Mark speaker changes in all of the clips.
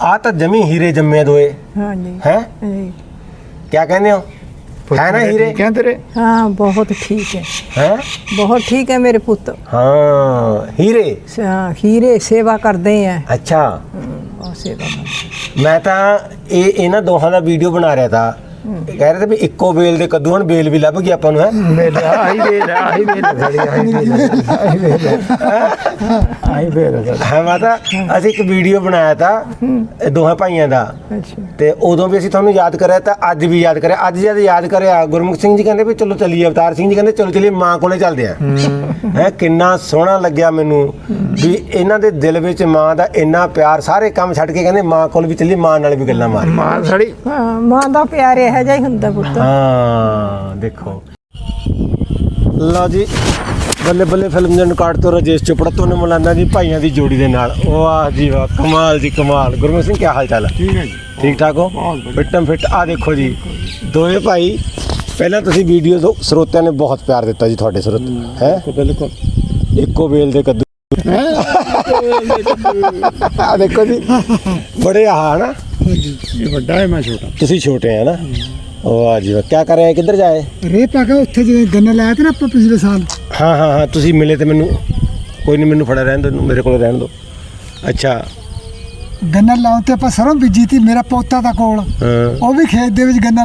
Speaker 1: ਆ ਤਾਂ ਜਮੀ ਹੀਰੇ ਜੰਮੇ ਦੋਏ हैं क्या कहने हो है ना हीरे
Speaker 2: क्या तेरे
Speaker 3: हाँ बहुत ठीक है
Speaker 1: हैं
Speaker 3: बहुत ठीक है मेरे पुत्र
Speaker 1: हाँ हीरे
Speaker 3: हीरे सेवा करते हैं
Speaker 1: अच्छा
Speaker 3: बहुत सेवा करते
Speaker 1: मैं ਤਾਂ ਇਹ ਇਹਨਾਂ ਦੋਹਾਂ ਦਾ ਵੀਡੀਓ ਬਣਾ ਰਿਹਾ था कह रहे थे भी इक्को बेल दे कद्दू हन बेल भी लभ गई ਆਪਾਂ ਨੂੰ है है माता ਅਸੀਂ ਇੱਕ ਵੀਡੀਓ ਬਣਾਇਆ था ਦੋਹਾਂ ਭਾਈਆਂ ਦਾ ਤੇ ਉਦੋਂ ਵੀ ਅਸੀਂ ਤੁਹਾਨੂੰ ਯਾਦ ਕਰਿਆ ਤਾਂ ਅੱਜ ਵੀ ਯਾਦ ਕਰਿਆ ਅੱਜ ਜਦ ਯਾਦ ਕਰਿਆ ਗੁਰਮੁਖ ਸਿੰਘ ਜੀ ਕਹਿੰਦੇ ਵੀ ਚਲੋ ਚੱਲੀਏ ਅਵਤਾਰ ਸਿੰਘ ਜੀ ਕਹਿੰਦੇ ਚਲੋ ਚੱਲੀਏ ਮਾਂ ਕੋਲੇ ਚੱਲਦੇ ਆ ਹੈ ਕਿੰਨਾ ਸੋਹਣਾ ਲੱਗਿਆ ਮੈਨੂੰ ਵੀ ਇਹਨਾਂ ਦੇ ਦਿਲ ਵਿੱਚ ਮਾਂ ਦਾ ਇੰਨਾ ਪਿਆਰ ਸਾਰੇ ਕੰਮ ਛੱਡ ਕੇ ਕਹਿੰਦੇ ਮਾਂ ਕੋਲ ਵੀ ਚੱਲੀ ਮਾਂ ਨਾਲ ਵੀ ਗੱਲਾਂ ਮਾਰ
Speaker 2: ਮਾਂ ਸਾਡੀ
Speaker 3: ਮਾਂ ਦਾ ਪਿਆਰ ਇਹੋ ਜਿਹਾ ਹੀ ਹੁੰਦਾ ਪੁੱਤ
Speaker 1: ਹਾਂ ਦੇਖੋ ਲਓ ਜੀ ਬੱਲੇ ਬੱਲੇ ਫਿਲਮ ਦੇ ਰਿਕਾਰਡ ਤੋਂ ਰਾਜੇਸ਼ ਚੋਪੜਾ ਤੋਂ ਮੌਲਾਨਾ ਜੀ ਭਾਈਆਂ ਦੀ ਜੋੜੀ ਦੇ ਨਾਲ ਵਾਹ ਜੀ ਵਾਹ ਕਮਾਲ ਜੀ ਕਮਾਲ ਗੁਰਮੁਖ ਸਿੰਘ ਕੀ ਹਾਲ ਚਾਲ ਹੈ
Speaker 2: ਠੀਕ ਹੈ ਜੀ
Speaker 1: ਠੀਕ ਠਾਕ ਹੋ ਫਿੱਟਮ ਫਿੱਟ ਆ ਦੇਖੋ ਜੀ ਦੋਵੇਂ ਭਾਈ ਪਹਿਲਾਂ ਤੁਸੀਂ ਵੀਡੀਓ ਤੋਂ ਸਰੋਤਿਆਂ ਨੇ ਬਹੁਤ ਪਿਆਰ ਦਿੱਤਾ ਜੀ ਤੁਹਾਡੇ ਸਰੋਤ ਹੈ
Speaker 2: ਬਿਲਕੁਲ
Speaker 1: ਇੱਕੋ ਵੇਲ ਦੇ ਕੱਦੂ ਆ ਦੇਖੋ ਜੀ ਬੜੇ ਆ ਨਾ
Speaker 2: ਇਹ ਵੱਡਾ ਹੈ ਮੈਂ ਛੋਟਾ
Speaker 1: ਤੁਸੀਂ ਛੋਟੇ ਆ ਨਾ ਵਾਹ ਜੀ ਵਾਹ ਕੀ ਕਰ ਰਹੇ ਕਿੱਧਰ ਜਾਏ
Speaker 4: ਰੇ ਪਾਗਾ ਉੱਥੇ ਜਿਵੇਂ ਗੰਨਾ ਲਾਇਆ ਤੇ ਨਾ ਆਪਾਂ ਪਿਛਲੇ ਸਾਲ
Speaker 1: ਹਾਂ ਹਾਂ ਹਾਂ ਤੁਸੀਂ ਮਿਲੇ ਤੇ ਮੈਨੂੰ ਕੋਈ ਨਹੀਂ ਮੈਨੂੰ ਫੜਾ ਰਹਿਣ ਦਿਓ ਮੇਰੇ ਕੋਲ ਰਹਿਣ ਦਿਓ ਅੱਛਾ
Speaker 4: ਗੰਨਾ ਲਾਉਣ ਤੇ ਆਪਾਂ ਸਰੋਂ ਬੀਜੀ ਤੀ ਮੇਰਾ ਪੋਤਾ ਦਾ ਕੋਲ ਉਹ ਵੀ ਖੇਤ ਦੇ ਵਿੱਚ ਗੰਨਾ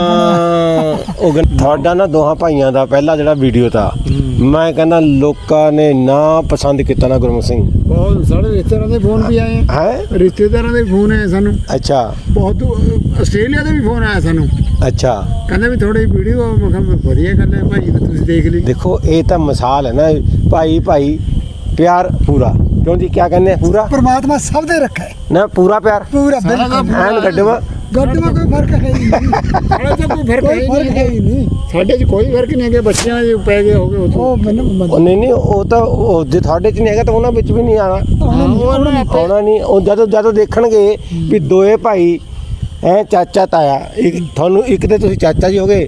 Speaker 4: ਲੱਗਾ
Speaker 1: ਉਹ ਤੁਹਾਡਾ ਨਾ ਦੋਹਾਂ ਭਾਈਆਂ ਦਾ ਪਹਿਲਾ ਜਿਹੜਾ ਵੀਡੀਓ ਤਾ ਮੈਂ ਕਹਿੰਦਾ ਲੋਕਾਂ ਨੇ ਨਾ ਪਸੰਦ ਕੀਤਾ ਨਾ ਗੁਰਮੁਖ ਸਿੰਘ
Speaker 2: ਬਹੁਤ ਸਾਰੇ ਰਿਸ਼ਤੇਦਾਰਾਂ ਦੇ ਫੋਨ ਵੀ ਆਏ
Speaker 1: ਹੈ
Speaker 2: ਰਿਸ਼ਤੇਦਾਰਾਂ ਦੇ ਫੋਨ ਆਏ ਸਾਨੂੰ
Speaker 1: ਅੱਛਾ
Speaker 2: ਬਹੁਤ ਆਸਟ੍ਰੇਲੀਆ ਦੇ ਵੀ ਫੋਨ ਆਇਆ ਸਾਨੂੰ
Speaker 1: ਅੱਛਾ
Speaker 2: ਕਹਿੰਦੇ ਵੀ ਥੋੜੀ ਵੀਡੀਓ ਮੈਂ ਕਿਹਾ ਵਧੀਆ ਗੱਲ ਹੈ ਭਾਈ ਤੁਸੀਂ ਦੇਖ ਲਈ
Speaker 1: ਦੇਖੋ ਇਹ ਤਾਂ ਮਿਸਾਲ ਹੈ ਨਾ ਭਾਈ ਭਾਈ ਪਿਆਰ ਪੂਰਾ ਕਿਉਂ ਜੀ ਕੀ ਕਹਿੰਦੇ ਪੂਰਾ
Speaker 4: ਪਰਮਾਤਮਾ ਸਭ ਦੇ ਰੱਖਾ
Speaker 1: ਨਾ ਪੂਰਾ ਪਿਆਰ
Speaker 4: ਪੂਰਾ ਬਿਲਕੁਲ
Speaker 1: ਐਨ ਗੱਡਵਾ
Speaker 4: ਗੱਡਵਾ ਕੋਈ ਫਰਕ ਹੈ ਹੀ ਨਹੀਂ
Speaker 2: ਸਾਡੇ ਚ ਕੋਈ ਫਰਕ
Speaker 4: ਹੈ ਹੀ ਨਹੀਂ
Speaker 2: ਸਾਡੇ ਚ ਕੋਈ ਫਰਕ ਨਹੀਂ ਹੈ ਬੱਚਿਆਂ ਦੇ ਪੈ ਗਏ ਹੋ ਗਏ
Speaker 4: ਉਹ ਮੈਨੂੰ
Speaker 1: ਨਹੀਂ ਉਹ ਤਾਂ ਉਹ ਜੇ ਤੁਹਾਡੇ ਚ ਨਹੀਂ ਹੈਗਾ ਤਾਂ ਉਹਨਾਂ ਵਿੱਚ ਵੀ ਨਹੀਂ ਆਣਾ ਆਉਣਾ ਨਹੀਂ ਉਹ ਜਦੋਂ ਦੇਖਣਗੇ ਵੀ ਦੋਏ ਭਾਈ ਐ ਚਾਚਾ ਤਾਇਆ ਇੱਕ ਤੁਹਾਨੂੰ ਇੱਕ ਤੇ ਤੁਸੀਂ ਚਾਚਾ ਜੀ ਹੋ ਗਏ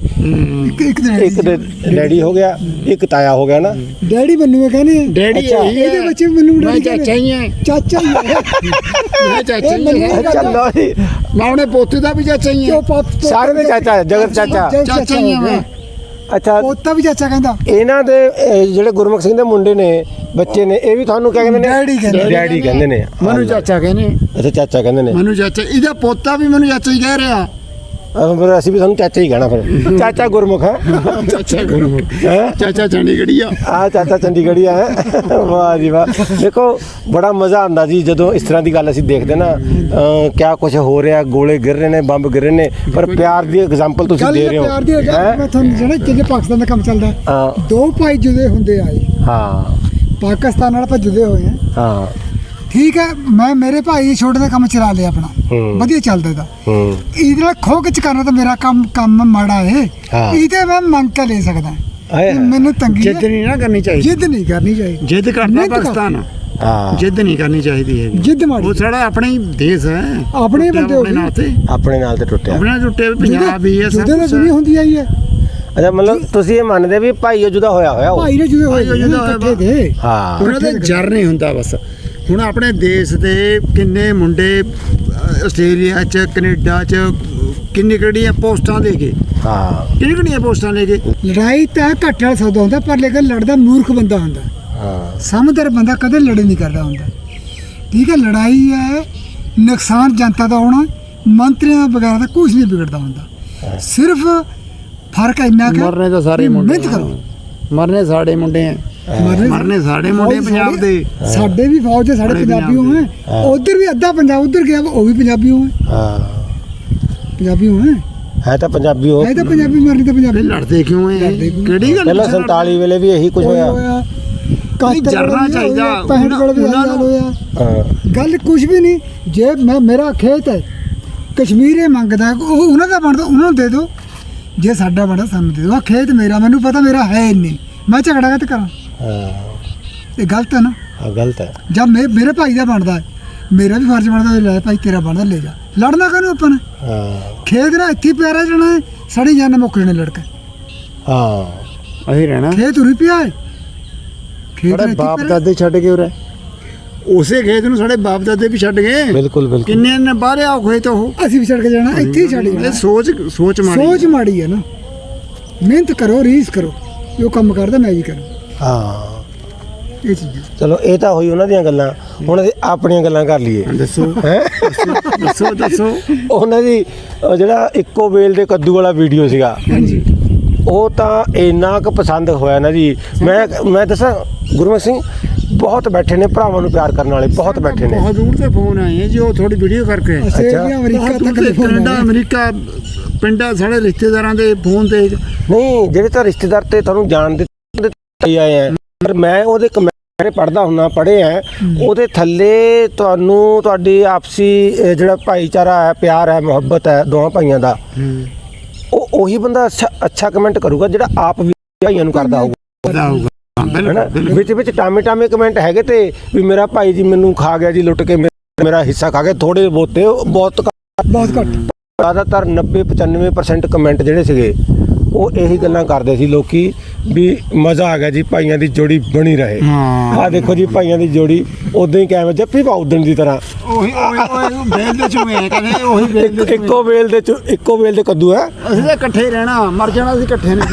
Speaker 1: ਇੱਕ ਦੇ ਡੈਡੀ ਹੋ ਗਿਆ ਇੱਕ ਤਾਇਆ ਹੋ ਗਿਆ ਨਾ
Speaker 4: ਡੈਡੀ ਮੈਨੂੰ ਕਹਿੰਦੇ
Speaker 2: ਡੈਡੀ
Speaker 4: ਇਹਦੇ ਬੱਚੇ ਮੈਨੂੰ ਡੈਡੀ
Speaker 2: ਚਾਚਾ ਹੀ ਹੈ
Speaker 4: ਚਾਚਾ ਹੀ ਹੈ
Speaker 2: ਮੈਂ ਚਾਚਾ ਹੀ ਹੈ
Speaker 1: ਚੱਲੋ ਜੀ
Speaker 2: ਮੈਂ ਉਹਨੇ ਪੋਤੇ ਦਾ ਵੀ ਚਾਚਾ ਹੀ ਹੈ
Speaker 1: ਸਾਰੇ ਦੇ ਚਾਚਾ ਜਗਤ ਚਾਚਾ
Speaker 2: ਚਾਚਾ ਹੀ ਹੈ ਮੈਂ
Speaker 1: ਅੱਛਾ
Speaker 4: ਪੋਤਾ ਵੀ ਚਾਚਾ ਕਹਿੰਦਾ
Speaker 1: ਇਹਨਾਂ ਦੇ ਜਿਹੜੇ ਗੁਰਮੁਖ ਸਿੰਘ ਦੇ ਮੁੰਡੇ ਨੇ ਬੱਚੇ ਨੇ ਇਹ ਵੀ ਤੁਹਾਨੂੰ ਕਿਆ ਕਹਿੰਦੇ ਨੇ ਡੈਡੀ ਕਹਿੰਦੇ ਨੇ
Speaker 2: ਮੈਨੂੰ ਚਾਚਾ ਕਹਿੰਦੇ
Speaker 1: ਅੱਛਾ ਚਾਚਾ ਕਹਿੰਦੇ ਨੇ
Speaker 2: ਮੈਨੂੰ ਚਾਚਾ ਇਹਦਾ ਪੋਤਾ ਵੀ ਮੈਨੂੰ ਚਾਚਾ ਹੀ ਕਹਿ ਰਿਹਾ
Speaker 1: ਫਿਰ ਅਸੀਂ ਵੀ ਤੁਹਾਨੂੰ ਚਾਚਾ ਹੀ ਕਹਿਣਾ ਫਿਰ ਚਾਚਾ ਗੁਰਮੁਖ ਹੈ
Speaker 2: ਚਾਚਾ ਗੁਰਮੁਖ ਚਾਚਾ ਚੰਡੀਗੜ੍ਹੀ
Speaker 1: ਆ ਚਾਚਾ ਚੰਡੀਗੜ੍ਹੀ ਹੈ ਵਾਹ ਜੀ ਵਾਹ ਦੇਖੋ ਬੜਾ ਮਜ਼ਾ ਆਉਂਦਾ ਜੀ ਜਦੋਂ ਇਸ ਤਰ੍ਹਾਂ ਦੀ ਗੱਲ ਅਸੀਂ ਦੇਖਦੇ ਨਾ ਕਿਆ ਕੁਝ ਹੋ ਰਿਹਾ ਗੋਲੇ ਗਿਰ ਰਹੇ ਨੇ ਬੰਬ ਗਿਰ ਰਹੇ ਨੇ ਪਰ ਪਿਆਰ ਦੀ ਐਗਜ਼ਾਮਪਲ ਤੁਸੀਂ ਦੇ ਰਹੇ ਹੋ
Speaker 4: ਪਿਆਰ ਦੀ ਮੈਂ ਤੁਹਾਨੂੰ ਜਿਹੜਾ ਕਿ ਪਾਕਿਸਤਾਨ ਦਾ ਕੰਮ ਚੱਲਦਾ ਦੋ ਭਾਈ ਜੁਦੇ ਹੁੰਦੇ ਆਏ
Speaker 1: ਹਾਂ
Speaker 4: ਪਾਕਿਸਤਾਨ ਨਾਲ ਆਪਾਂ ਜੁਦੇ ਹੋਏ
Speaker 1: ਹਾਂ
Speaker 4: ਠੀਕ ਹੈ ਮੈਂ ਮੇਰੇ ਭਾਈ ਛੋਟੇ ਦਾ ਕੰਮ ਚਲਾ ਲਿਆ ਆਪਣਾ ਵਧੀਆ ਚੱਲਦਾ ਦਾ ਇਹਦੇ ਨਾਲ ਖੋ ਕੇ ਕਰਨਾ ਤਾਂ ਮੇਰਾ ਕੰਮ ਮਾੜਾ ਹੈ ਇਹਦੇ ਮੈਂ ਮੰਗ ਕੇ ਲੈ ਸਕਦਾ ਮੈਨੂੰ ਤੰਗੀ
Speaker 2: ਜਿੱਦ ਨਹੀਂ ਨਾ ਕਰਨੀ ਚਾਹੀਦੀ
Speaker 4: ਜਿੱਦ ਨਹੀਂ ਕਰਨੀ ਚਾਹੀਦੀ
Speaker 2: ਜਿੱਦ ਕਰਨਾ ਪਾਕਿਸਤਾਨ ਜਿੱਦ ਨਹੀਂ ਕਰਨੀ ਚਾਹੀਦੀ ਹੈ
Speaker 4: ਜਿੱਦ ਮਾੜੀ
Speaker 2: ਉਹ ਸਾਡਾ ਆਪਣਾ ਹੀ ਦੇਸ਼ ਹੈ
Speaker 4: ਆਪਣੇ ਬੰਦੇ
Speaker 1: ਆਪਣੇ ਨਾਲ ਤੇ ਟੁੱਟਿਆ
Speaker 2: ਆਪਣੇ ਟੁੱਟੇ ਪੰਜਾਬ ਹੀ ਹੈ
Speaker 4: ਸਭ ਕੁਝ ਦੁਨੀਆ ਹੁੰਦੀ ਆਈ ਹੈ
Speaker 1: ਅੱਛਾ ਮਤਲਬ ਤੁਸੀਂ ਇਹ ਮੰਨਦੇ ਵੀ ਭਾਈ ਜੁਦਾ ਹੋਇਆ
Speaker 4: ਭਾਈ ਨੇ ਜੁਦੇ ਹੋਏ ਇਕੱਠੇ ਦੇ
Speaker 1: ਹਾਂ
Speaker 2: ਉਹਨਾਂ ਦੇ ਜਰ ਨਹੀਂ ਹੁੰਦਾ ਬਸ ਹੁਣ ਆਪਣੇ ਦੇਸ਼ ਦੇ ਕਿੰਨੇ ਮੁੰਡੇ ਆਸਟ੍ਰੇਲੀਆ 'ਚ ਕੈਨੇਡਾ 'ਚ ਕਿੰਨੀਆਂ ਪੋਸਟਾਂ ਲੈ ਕੇ
Speaker 1: ਹਾਂ
Speaker 2: ਕਿੰਨੀਆਂ ਪੋਸਟਾਂ ਲੈ ਕੇ
Speaker 4: ਲੜਾਈ ਤਾਂ ਘੱਟ ਵਾਲਾ ਸੌਦਾ ਹੁੰਦਾ ਪਰ ਲੇਕਿਨ ਲੜਦਾ ਮੂਰਖ ਬੰਦਾ ਹੁੰਦਾ
Speaker 1: ਹਾਂ
Speaker 4: ਸਮਝਦਾਰ ਬੰਦਾ ਕਦੇ ਲੜੇ ਨਹੀਂ ਕਰਦਾ ਹੁੰਦਾ ਠੀਕ ਹੈ ਲੜਾਈ ਹੈ ਨੁਕਸਾਨ ਜਨਤਾ ਦਾ ਹੋਣਾ ਮੰਤਰੀਆਂ ਵਗੈਰਾ ਦਾ ਕੁਝ ਨਹੀਂ ਵਿਗੜਦਾ ਹੁੰਦਾ ਸਿਰਫ ਫਰਕ ਇੰਨਾ ਕਿ
Speaker 2: ਮਰਨੇ ਤਾਂ ਸਾਰੇ ਮੁੰਡੇ
Speaker 4: ਮਿਹਨਤ ਕਰੋ
Speaker 2: ਮਰਨੇ ਸਾਡੇ ਮੁੰਡੇ ਆ ਮਰਨੇ ਸਾਡੇ ਮੁੰਡੇ ਪੰਜਾਬ ਦੇ
Speaker 4: ਸਾਡੇ ਵੀ ਫੌਜ ਦੇ ਸਾਡੇ ਪੰਜਾਬੀ ਹੋਏ ਉਧਰ ਵੀ ਅੱਧਾ ਪੰਜਾਬ ਉਧਰ ਗਿਆ ਉਹ ਵੀ ਪੰਜਾਬੀ ਹੋਏ
Speaker 1: ਹਾਂ
Speaker 4: ਪੰਜਾਬੀ ਹੋਏ
Speaker 1: ਹੈ ਤਾਂ ਪੰਜਾਬੀ ਹੋ
Speaker 4: ਹੈ ਤਾਂ ਪੰਜਾਬੀ ਮਰਨੀ ਤਾਂ ਪੰਜਾਬੀ
Speaker 2: ਲੜਦੇ ਕਿਉਂ ਹੈ ਕਿਹੜੀ ਗੱਲ
Speaker 1: ਪਹਿਲਾਂ 47 ਵੇਲੇ ਵੀ ਇਹੀ ਕੁਝ ਹੋਇਆ
Speaker 2: ਜਰਨਾ ਚਾਹੀਦਾ
Speaker 4: ਗੱਲ ਕੁਝ ਵੀ ਨਹੀਂ ਜੇ ਮੇਰਾ ਖੇਤ ਹੈ ਕਸ਼ਮੀਰੇ ਮੰਗਦਾ ਉਹ ਉਹਨਾਂ ਦਾ ਬਣਦਾ ਉਹਨਾਂ ਨੂੰ ਦੇ ਦਿਓ ਜੇ ਸਾਡਾ ਬਣਦਾ ਸਾਨੂੰ ਦੇ ਦਿਓ ਖੇਤ ਮੇਰਾ ਮੈਨੂੰ ਪਤਾ ਮੇਰਾ ਹੈ ਨਹੀਂ ਮੈਂ ਝਗੜਾ ਕਿਤੇ ਕਰਾਂ ਇਹ ਗਲਤ ਹੈ ਨਾ
Speaker 1: ਗਲਤ ਹੈ
Speaker 4: ਜਦ ਮੇਰੇ ਭਾਈ ਦਾ ਬਣਦਾ ਮੇਰਾ ਵੀ ਫਰਜ਼ ਬਣਦਾ ਲੈ ਭਾਈ ਤੇਰਾ ਬਣਦਾ ਲੈ ਜਾ ਲੜਨਾ ਕਾਹਨੂੰ ਆਪਾਂ ਨੇ ਖੇਤ ਨਾਲ ਇੱਥੇ ਪਿਆਰਾ ਜਾਣਾ ਸੜੀ ਜਾਣਾ ਮੁੱਕ ਜਾਣੇ ਲੜਕੇ
Speaker 2: ਅਸੀਂ ਰਹਿਣਾ
Speaker 4: ਖੇਤ ਉਰੀ ਪਿਆ ਹੈ
Speaker 2: ਖੇਤ ਬਾਪ ਦਾਦੇ ਛੱਡ ਕੇ ਉਰੇ ਉਸੇ ਖੇਤ ਨੂੰ ਸਾਡੇ ਬਾਪ ਦਾਦੇ ਵੀ ਛੱਡ ਗਏ।
Speaker 1: ਬਿਲਕੁਲ ਬਿਲਕੁਲ
Speaker 2: ਕਿੰਨੇ ਨੇ ਬਾਹਰ ਆ ਖੇਤ ਉਹ।
Speaker 4: ਅਸੀਂ ਵੀ ਛੱਡ ਕੇ ਜਾਣਾ, ਇੱਥੇ ਹੀ ਛੱਡ
Speaker 2: ਇਹ
Speaker 4: ਜਾਣਾ।
Speaker 2: ਸੋਚ ਮਾਰੀ।
Speaker 4: ਸੋਚ ਮਾੜੀ ਹੈ ਨਾ। ਮਿਹਨਤ ਕਰੋ, ਰੀਸ ਕਰੋ, ਜੋ ਕੰਮ ਕਰਦਾ ਮੈਂ ਵੀ ਕਰਾਂ।
Speaker 1: ਹਾਂ
Speaker 4: ਇਹ ਚੀਜ਼ਾਂ
Speaker 1: ਚਲੋ ਇਹ ਤਾਂ ਹੋਈ ਉਹਨਾਂ ਦੀਆਂ ਗੱਲਾਂ। ਹੁਣ ਅਸੀਂ ਆਪਣੀਆਂ ਗੱਲਾਂ ਕਰ ਲਈਏ।
Speaker 2: ਦੱਸੋ
Speaker 1: ਹੈ
Speaker 2: ਦੱਸੋ।
Speaker 1: ਉਹਨਾਂ ਦੀ ਜਿਹੜਾ ਇੱਕੋ ਵੇਲ ਦੇ ਕੱਦੂ ਵਾਲਾ ਵੀਡੀਓ ਸੀਗਾ,
Speaker 2: ਹਾਂਜੀ
Speaker 1: ਉਹ ਤਾਂ ਇੰਨਾ ਕੁ ਪਸੰਦ ਹੋਇਆ ਨਾ ਜੀ। ਮੈਂ ਦੱਸਾਂ ਗੁਰਮੁਖ ਸਿੰਘ ਬਹੁਤ ਬੈਠੇ ਨੇ ਭਰਾਵਾਂ ਨੂੰ ਪਿਆਰ ਕਰਨ ਵਾਲੇ, ਬਹੁਤ ਬੈਠੇ ਨੇ।
Speaker 2: ਬਹੁਤ ਦੂਰ ਤੇ ਫੋਨ ਆਏ ਹੈ ਜੀ, ਉਹ ਥੋੜੀ ਵੀਡੀਓ ਕਰਕੇ।
Speaker 4: ਆਸਟ੍ਰੇਲੀਆ, ਅਮਰੀਕਾ
Speaker 2: ਬਹੁਤ
Speaker 4: ਤੱਕ
Speaker 2: ਦੂਰ
Speaker 4: ਦੇ
Speaker 2: ਤੇ
Speaker 4: ਫੋਨ
Speaker 2: ਕੈਨੇਡਾ,
Speaker 4: ਆਏ।
Speaker 2: ਅਮਰੀਕਾ, ਪਿੰਡਾਂ ਸਾਡੇ ਰਿਸ਼ਤੇਦਾਰਾਂ ਦੇ ਫੋਨ ਤੇ।
Speaker 1: ਨਹੀਂ ਜਿਹੜੇ ਤਾਂ ਰਿਸ਼ਤੇਦਾਰ ਤੇ ਤੁਹਾਨੂੰ ਜਾਣਦੇ ਆਏ ਆ, ਪਰ ਮੈਂ ਉਹਦੇ ਕਮੈਂਟ ਪੜ੍ਹਦਾ ਹੁੰਨਾ, ਪੜ੍ਹੇ ਆ ਉਹਦੇ ਥੱਲੇ ਤੁਹਾਨੂੰ ਤੁਹਾਡੀ ਆਪਸੀ ਜਿਹੜਾ ਭਾਈਚਾਰਾ ਹੈ, ਪਿਆਰ ਹੈ, ਮੁਹੱਬਤ ਹੈ ਦੋਹਾਂ ਭਾਈਆਂ ਦਾ, ਉਹ ਉਹੀ ਬੰਦਾ ਅੱਛਾ ਕਮੈਂਟ ਕਰੂਗਾ ਜਿਹੜਾ ਆਪ ਵੀ ਭਾਈਆਂ ਨੂੰ ਕਰਦਾ ਹੋਊਗਾ। ਹੈਨਾ ਵਿੱਚ ਟਾਮੇ ਕਮੈਂਟ ਹੈਗੇ ਤੇ ਵੀ ਮੇਰਾ ਭਾਈ ਜੀ ਮੈਨੂੰ ਖਾ ਗਿਆ ਜੀ, ਲੁੱਟ ਕੇ ਮੇਰਾ ਹਿੱਸਾ ਖਾ ਗਿਆ, ਥੋੜੇ ਬਹੁਤੇ ਬਹੁਤ
Speaker 4: ਘੱਟ।
Speaker 1: ਜ਼ਿਆਦਾਤਰ 90-95% ਕਮੈਂਟ ਜਿਹੜੇ ਸੀਗੇ ਉਹ ਇਹੀ ਗੱਲਾਂ ਕਰਦੇ ਸੀ ਲੋਕੀ ਵੀ ਮਜ਼ਾ ਆ ਗਿਆ ਜੀ, ਭਾਈਆਂ ਦੀ ਜੋੜੀ ਬਣੀ ਰਹੇ। ਆਹ ਦੇਖੋ ਜੀ ਭਾਈਆਂ ਦੀ ਜੋੜੀ ਉਦਾਂ ਹੀ ਕਾਇਮ, ਜੱਫੀ ਪਾ ਉਦਣ ਦੀ ਤਰ੍ਹਾਂ।
Speaker 2: ਉਹੀ ਵੇਲ ਦੇ ਚੂਹੇ ਆ, ਕਹਿੰਦੇ ਉਹੀ ਵੇਲ ਦੇ
Speaker 1: ਇੱਕੋ ਵੇਲ ਦੇ ਕੱਦੂ ਹੈ।
Speaker 2: ਅਸੀਂ ਤਾਂ ਇਕੱਠੇ ਰਹਿਣਾ, ਮਰ ਜਾਣਾ ਅਸੀਂ ਇਕੱਠੇ ਨੇ।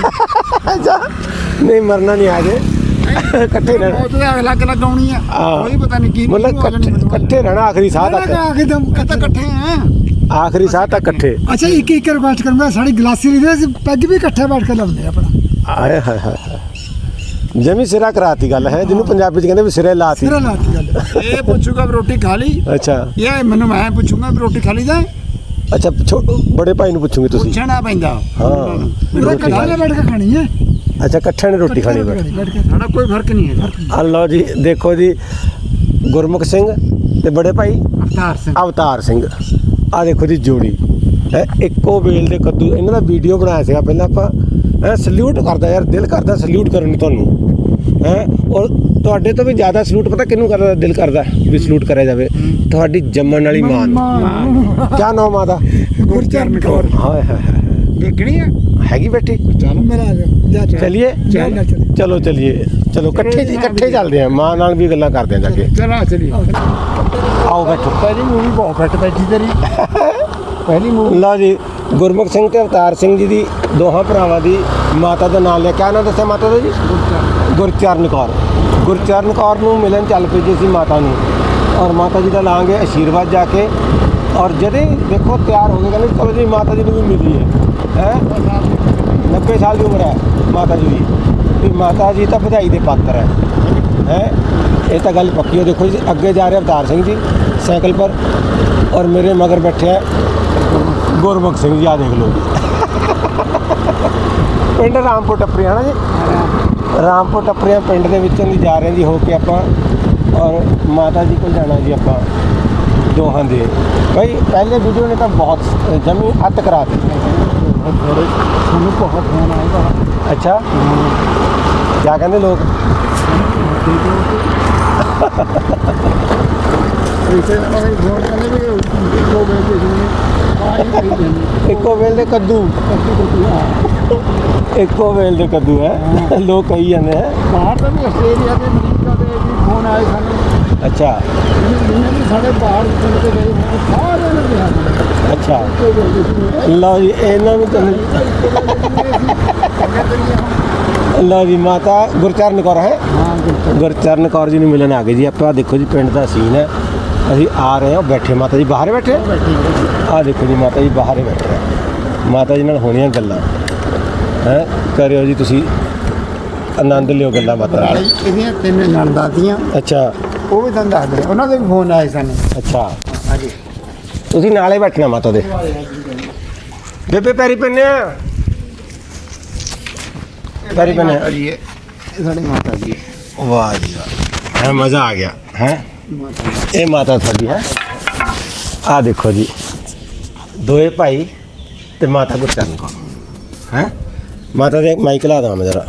Speaker 1: ਨਹੀਂ ਮਰਨਾ ਨਹੀਂ, ਆਜੇ ਇਕੱਠੇ ਰਹਿਣਾ।
Speaker 2: ਉਹ ਤਾਂ ਅਲੱਗ ਆਉਣੀ ਆ, ਕੋਈ ਪਤਾ ਨਹੀਂ ਕੀ
Speaker 1: ਮਤਲਬ ਇਕੱਠੇ ਰਹਿਣਾ ਆਖਰੀ ਸਾਹ ਤੱਕ।
Speaker 2: ਇਕੱਠੇ ਆ,
Speaker 1: ਆਖਰੀ ਸਾਹ ਤੱਕ ਇਕੱਠੇ।
Speaker 4: ਅੱਛਾ ਇੱਕ ਰਿਕੁਐਸਟ ਕਰੂੰਗਾ, ਸਾਡੀ ਗਲਾਸੀ ਲਈ ਅਸੀਂ ਪੈਗ ਵੀ ਇਕੱਠੇ ਬੈਠ ਕੇ ਲਾਉਂਦੇ ਆਪਣਾ।
Speaker 1: ਆਏ ਹਾਏ ਹਾਏ ਜਮੀ ਸਿਰਾ ਕਰਾਤੀ ਗੱਲ ਹੈ, ਜਿਹਨੂੰ ਪੰਜਾਬੀ ਚ ਕਹਿੰਦੇ ਵੀ ਸਿਰੇ ਲਾਤੀ।
Speaker 4: ਸਿਰਾ ਲਾਤੀ ਗੱਲ।
Speaker 2: ਇਹ ਪੁੱਛੂਗਾ ਵੀ ਰੋਟੀ ਖਾ ਲਈ।
Speaker 1: ਅੱਛਾ
Speaker 2: ਇਹ ਮੈਨੂੰ ਮੈਂ ਪੁੱਛੂਗਾ ਵੀ ਰੋਟੀ ਖਾ ਲਈ ਦਾ।
Speaker 1: ਅੱਛਾ ਬੜੇ ਭਾਈ ਨੂੰ ਪੁੱਛੋਗੇ ਤੁਸੀਂ?
Speaker 2: ਪੁੱਛਣਾ ਪੈਂਦਾ।
Speaker 1: ਹਾਂ
Speaker 4: ਪੂਰਾ ਇਕੱਠੇ ਬੈਠ ਕੇ ਖਾਣੀ ਹੈ।
Speaker 1: ਅੱਛਾ ਇਕੱਠਿਆਂ ਨੇ ਰੋਟੀ ਖਾਣੀ ਬੈਠ।
Speaker 4: ਬੈਠ ਕੇ
Speaker 2: ਸਾਡਾ ਕੋਈ ਫਰਕ ਨਹੀਂ ਹੈ।
Speaker 1: ਆ ਲਓ ਜੀ, ਦੇਖੋ ਜੀ ਗੁਰਮੁਖ ਸਿੰਘ ਤੇ ਬੜੇ ਭਾਈ
Speaker 2: ਅਵਤਾਰ ਸਿੰਘ।
Speaker 1: ਅਵਤਾਰ ਸਿੰਘ, ਆ ਦੇਖੋ ਜੀ ਜੋੜੀ ਹੈ, ਇੱਕੋ ਵੇਲ ਦੇ ਕੱਦੂ। ਇਹਨਾਂ ਦਾ ਵੀਡੀਓ ਬਣਾਇਆ ਸੀਗਾ ਪਹਿਲਾਂ ਆਪਾਂ। ਸਲੂਟ ਕਰਦਾ ਯਾਰ, ਦਿਲ ਕਰਦਾ ਸਲੂਟ ਕਰਨ ਨੂੰ ਤੁਹਾਨੂੰ ਹੈ। ਔਰ ਤੁਹਾਡੇ ਤੋਂ ਵੀ ਜ਼ਿਆਦਾ ਸਲੂਟ ਪਤਾ ਕਿਹਨੂੰ ਕਰਦਾ, ਦਿਲ ਕਰਦਾ ਵੀ ਸਲੂਟ ਕਰਿਆ ਜਾਵੇ, ਤੁਹਾਡੀ ਜੰਮਣ ਵਾਲੀ ਮਾਂ ਨੂੰ। ਕਿਆ ਨਾਮ ਮਾਂ ਦਾ?
Speaker 2: ਗੁਰਚਰਨ ਕੌਰ।
Speaker 1: ਹਾਏ ਹਾਏ ਹਾਏ,
Speaker 2: ਦੇਖਣੀ ਆ
Speaker 1: ਹੈਗੀ ਬੈਠੀ?
Speaker 4: ਮੇਰਾ ਆ ਜਾ
Speaker 1: ਚਲਿਏ ਚਲੋ ਇਕੱਠੇ ਚੱਲਦੇ ਆ, ਮਾਂ ਨਾਲ ਵੀ ਗੱਲਾਂ ਕਰਦੇ ਆ ਜਾ ਕੇ।
Speaker 2: ਚਲਾ ਚਲੀ।
Speaker 1: ਆਓ ਬੈਠੋ।
Speaker 2: ਪਹਿਲੀ ਮੂਵੀ ਬਹੁਤ ਫਿੱਟ ਬੈਠੀ ਤੇਰੀ। ਪਹਿਲੀ ਮੂਵੀ।
Speaker 1: ਲਓ ਜੀ ਗੁਰਮੁਖ ਸਿੰਘ ਤੇ ਅਵਤਾਰ ਸਿੰਘ ਜੀ ਦੀ ਦੋਹਾਂ ਭਰਾਵਾਂ ਦੀ ਮਾਤਾ ਦਾ ਨਾਮ ਲਿਆ। ਕਿਆ ਨਾਮ ਦੱਸਿਆ ਮਾਤਾ ਦਾ ਜੀ? ਗੁਰਚਰਨ ਕੌਰ। ਗੁਰਚਰਨ ਕੌਰ ਨੂੰ ਮਿਲਣ ਚੱਲ ਪਈ ਜੀ ਸੀ ਮਾਤਾ ਨੂੰ, ਔਰ ਮਾਤਾ ਜੀ ਦਾ ਲਾਂਗੇ ਆਸ਼ੀਰਵਾਦ ਜਾ ਕੇ। ਔਰ ਜਦੇ ਦੇਖੋ ਤਿਆਰ ਹੋ ਗਏ, ਕਹਿੰਦੇ ਚਲੋ ਜੀ ਮਾਤਾ ਜੀ ਨੂੰ ਵੀ ਮਿਲੀ ਹੈ 90 ਸਾਲ ਦੀ ਉਮਰ ਹੈ ਮਾਤਾ ਜੀ ਦੀ, ਵੀ ਮਾਤਾ ਜੀ ਤਾਂ ਵਧਾਈ ਦੇ ਪਾਤਰ ਹੈ। ਇਹ ਤਾਂ ਗੱਲ ਪੱਕੀ ਹੋ। ਦੇਖੋ ਜੀ ਅੱਗੇ ਜਾ ਰਹੇ ਅਵਤਾਰ ਸਿੰਘ ਜੀ ਸਾਈਕਲ ਪਰ, ਔਰ ਮੇਰੇ ਮਗਰ ਬੈਠੇ ਹੈ ਗੁਰਮੁਖ ਸਿੰਘ ਜੀ। ਆ ਦੇਖ ਲਓ ਜੀ ਪਿੰਡ ਰਾਮਪੁਰ ਟੱਪਰੀਆਂ ਨਾ ਜੀ, ਰਾਮਪੁਰ ਟੱਪਰੀਆਂ ਪਿੰਡ ਦੇ ਵਿੱਚੋਂ ਦੀ ਜਾ ਰਹੇ ਜੀ ਹੋ ਕੇ ਆਪਾਂ, ਔਰ ਮਾਤਾ ਜੀ ਕੋਲ ਜਾਣਾ ਜੀ ਆਪਾਂ ਦੋਹਾਂ ਦੇ। ਭਾਈ ਪਹਿਲੇ ਵੀਡੀਓ ਨੇ ਤਾਂ ਬਹੁਤ ਜਮੀ ਅੱਤ ਕਰਾ ਦਿੱਤੀ।
Speaker 2: ਤੁਹਾਨੂੰ ਬਹੁਤ ਫੋਨ ਆਏਗਾ।
Speaker 1: ਅੱਛਾ ਕਿਆ ਕਹਿੰਦੇ ਲੋਕ? ਇੱਕੋ ਵੇਲ ਦੇ ਕੱਦੂ, ਇੱਕੋ ਵੇਲ ਦੇ ਕੱਦੂ ਹੈ ਲੋਕ ਕਹੀ ਜਾਂਦੇ ਹੈ।
Speaker 2: ਬਾਹਰ ਤਾਂ ਵੀ ਆਸਟ੍ਰੇਲੀਆ ਤੇ ਅਮਰੀਕਾ ਦੇ ਵੀ ਫੋਨ ਆਏ ਸਾਨੂੰ।
Speaker 1: ਅੱਛਾ
Speaker 2: ਜਿਹਨੇ ਵੀ ਸਾਡੇ ਬਾਹਰ ਪਿੰਡ ਤੇ ਗਏ ਹੋਏ ਸਾਰਿਆਂ ਨੇ ਕਿਹਾ।
Speaker 1: ਅੱਛਾ ਲਓ ਜੀ ਇਹਨਾਂ ਨੂੰ ਤਾਂ ਲਓ ਜੀ ਮਾਤਾ ਗੁਰਚਰਨ ਕੌਰ ਹੈ। ਗੁਰਚਰਨ ਕੌਰ ਜੀ ਨੂੰ ਮਿਲਣ ਆ ਗਏ ਜੀ ਆਪਾਂ। ਦੇਖੋ ਜੀ ਪਿੰਡ ਦਾ ਸੀਨ ਹੈ, ਅਸੀਂ ਆ ਰਹੇ ਹਾਂ। ਬੈਠੇ ਮਾਤਾ ਜੀ ਬਾਹਰ ਬੈਠੇ, ਆਹ ਦੇਖੋ ਜੀ ਮਾਤਾ ਜੀ ਬਾਹਰ ਹੀ ਬੈਠੇ। ਮਾਤਾ ਜੀ ਨਾਲ ਹੋਣੀਆਂ ਗੱਲਾਂ ਹੈ, ਕਰਿਓ ਜੀ ਤੁਸੀਂ ਆਨੰਦ ਲਿਓ ਗੱਲਾਂ ਬਾਤਾਂ ਨਾਲ।
Speaker 2: ਇਹਦੀਆਂ 3 ਨਣਦਾਂ ਦੀਆਂ।
Speaker 1: ਅੱਛਾ
Speaker 2: ਉਹ ਵੀ ਤੁਹਾਨੂੰ ਦੱਸ ਦੇ, ਉਹਨਾਂ ਦੇ ਵੀ ਫੋਨ ਆਏ ਸਾਨੂੰ।
Speaker 1: ਅੱਛਾ
Speaker 2: ਹਾਂਜੀ
Speaker 1: ਤੁਸੀਂ ਨਾਲੇ ਬੈਠਣਾ ਮਾਤਾ ਦੇ। ਬੇਬੇ ਪੈਰੀ ਪੈਨੇ ਆ, ਪੈਰੀ ਪੈਨੇ ਆ।
Speaker 2: ਜੀ ਇਹ ਸਾਡੀ ਮਾਤਾ ਜੀ ਹੈ।
Speaker 1: ਵਾਹ ਜੀ ਵਾਹ, ਹੈ ਮਜ਼ਾ ਆ ਗਿਆ ਹੈ। ਇਹ ਮਾਤਾ ਤੁਹਾਡੀ ਹੈ। ਆ ਦੇਖੋ ਜੀ ਦੋਏ ਭਾਈ ਤੇ ਮਾਤਾ ਗੁਰਚਰਨ ਕੌਰ ਹੈ। ਮਾਤਾ ਦੇ ਮਾਈਕ ਲਾ ਦਾਂ ਮੈਂ ਜਰਾ,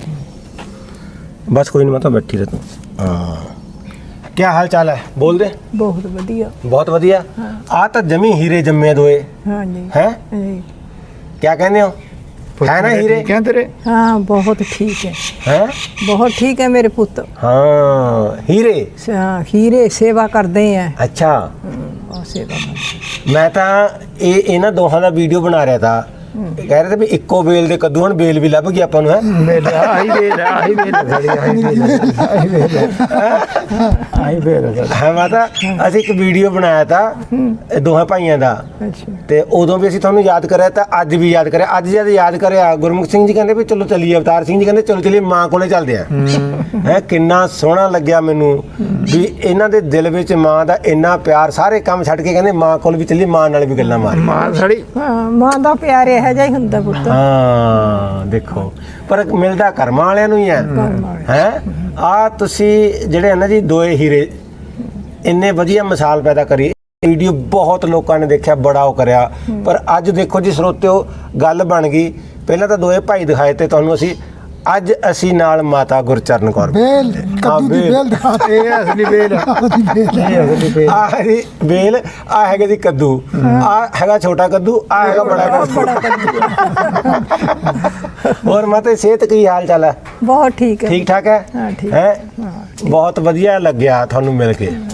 Speaker 1: ਬਸ ਕੋਈ ਨਹੀਂ ਮਾਤਾ ਬੈਠੀ ਰਹਿ ਤੂੰ। ਹਾਂ ਕੀ ਹਾਲ ਚਾਲ ਹੈ? ਬੋਲ ਦੇ।
Speaker 3: ਬਹੁਤ ਵਧੀਆ।
Speaker 1: ਬਹੁਤ ਵਧੀਆ। ਆ ਤਾਂ ਜਮੀ ਹੀਰੇ ਜੰਮੇ ਦੋਏ
Speaker 3: ਹਾਂਜੀ
Speaker 1: ਹੈ।
Speaker 3: ਜੀ।
Speaker 1: ਕੀ ਕਹਿੰਦੇ ਹੋ? ਹੈ ਨਾ ਹੀਰੇ?
Speaker 2: ਠੀਕ ਹੈ ਤੇਰੇ?
Speaker 3: ਹਾਂ ਬਹੁਤ ਠੀਕ ਹੈ,
Speaker 1: ਹੈ
Speaker 3: ਬਹੁਤ ਠੀਕ ਹੈ ਮੇਰੇ ਪੁੱਤ।
Speaker 1: ਹਾਂ ਹੀਰੇ।
Speaker 3: ਹਾਂ, ਹੀਰੇ ਸੇਵਾ ਕਰਦੇ ਆ।
Speaker 1: ਅੱਛਾ
Speaker 3: ਉਹ ਸੇਵਾ ਕਰਦੇ।
Speaker 1: ਮੈਂ ਤਾਂ ਇਹਨਾਂ ਦੋਹਾਂ ਦਾ ਵੀਡੀਓ ਬਣਾ ਰਿਹਾ ਤਾ, ਕਹਿ ਰਹੇ ਤੇ ਵੀ ਇੱਕੋ ਬੇਲ ਦੇ ਕੱਦੂ, ਹੁਣ ਬੇਲ ਵੀ ਲੱਭ ਗਈ ਆਪਾਂ ਨੂੰ। ਹੈ
Speaker 2: ਮੇਲ ਆਹੀ ਵੇਲ ਆਹੀ ਵੇਲ ਸਾਡੀ ਆਹੀ ਵੇਲ
Speaker 1: ਹੈ ਮਾਤਾ, ਅਸੀਂ ਇੱਕ ਵੀਡੀਓ ਬਣਾਇਆ ਤਾ ਇਹ ਦੋਹਾਂ ਭਾਈਆਂ ਦਾ,
Speaker 3: ਅੱਛਾ
Speaker 1: ਤੇ ਉਦੋਂ ਵੀ ਅਸੀਂ ਤੁਹਾਨੂੰ ਯਾਦ ਕਰਿਆ ਤਾਂ ਅੱਜ ਵੀ ਯਾਦ ਕਰਿਆ। ਅੱਜ ਜਦ ਯਾਦ ਕਰਿਆ ਗੁਰਮੁਖ ਸਿੰਘ ਜੀ ਕਹਿੰਦੇ ਵੀ ਚਲੋ ਚੱਲੀਏ, ਅਵਤਾਰ ਸਿੰਘ ਜੀ ਕਹਿੰਦੇ ਚਲੋ ਚੱਲੀਏ ਮਾਂ ਕੋਲੇ ਚੱਲਦੇ ਆ। ਹੈ ਕਿੰਨਾ ਸੋਹਣਾ ਲੱਗਿਆ ਮੈਨੂੰ ਵੀ ਇਹਨਾਂ ਦੇ ਦਿਲ ਵਿੱਚ ਮਾਂ ਦਾ ਇੰਨਾ ਪਿਆਰ, ਸਾਰੇ ਕੰਮ ਛੱਡ ਕੇ ਕਹਿੰਦੇ ਮਾਂ ਕੋਲ ਵੀ ਚੱਲੀਏ, ਮਾਂ ਨਾਲ ਵੀ ਗੱਲਾਂ ਮਾਰ।
Speaker 2: ਮਾਂ ਸਾਡੀ
Speaker 3: ਹਾਂ, ਮਾਂ ਦਾ ਪਿਆਰ ਇਹੋ ਜਿਹਾ ਹੀ ਹੁੰਦਾ ਪੁੱਤ।
Speaker 1: ਹਾਂ ਦੇਖੋ, ਪਰ ਮਿਲਦਾ ਕਰਮਾਂ ਵਾਲਿਆਂ ਨੂੰ ਹੀ ਹੈ। ਹੈ ਆ ਤੁਸੀਂ ਜਿਹੜੇ ਹਨ ਨਾ ਜੀ ਦੋਏ ਹੀਰੇ, ਇੰਨੇ ਵਧੀਆ ਮਿਸਾਲ ਪੈਦਾ ਕਰੀ। ਵੀਡੀਓ ਬਹੁਤ ਲੋਕਾਂ ਨੇ ਦੇਖਿਆ, ਬੜਾ ਉਹ ਕਰਿਆ, ਪਰ ਅੱਜ ਦੇਖੋ ਜੀ ਸਰੋਤਿਓ, ਗੱਲ ਬਣ ਗਈ। ਪਹਿਲਾਂ ਤਾਂ ਦੋਏ ਭਾਈ ਦਿਖਾਏ ਤੇ ਤੁਹਾਨੂੰ ਅਸੀਂ, ਅੱਜ ਅਸੀਂ ਨਾਲ ਮਾਤਾ ਗੁਰਚਰਨ ਕੌਰ।
Speaker 4: ਬੇਲ ਕੱਦੂ ਦੀ ਬੇਲ ਦਿਖਾ ਦੇ।
Speaker 2: ਇਹ ਅਸਲੀ ਵੇਲ ਆ।
Speaker 4: ਉਹਦੀ ਬੇਲ
Speaker 2: ਇਹ ਅਸਲੀ ਵੇਲ।
Speaker 1: ਆਹ ਜੀ ਬੇਲ, ਆ ਹੈਗਾ ਜੀ ਕੱਦੂ, ਆ ਹੈਗਾ ਛੋਟਾ ਕੱਦੂ, ਆ ਹੈਗਾ ਬੜਾ ਕੱਦੂ। ਹੋਰ ਮਾਤਾ ਸਿਹਤ ਕੀ ਹਾਲ ਚਾਲ ਹੈ?
Speaker 3: ਬਹੁਤ ਠੀਕ ਹੈ।
Speaker 1: ਠੀਕ ਠਾਕ ਹੈ?
Speaker 3: ਹਾਂ, ਠੀਕ
Speaker 1: ਹੈ ਬਹੁਤ ਵਧੀਆ ਲੱਗਿਆ ਤੁਹਾਨੂੰ ਮਿਲ ਕੇ।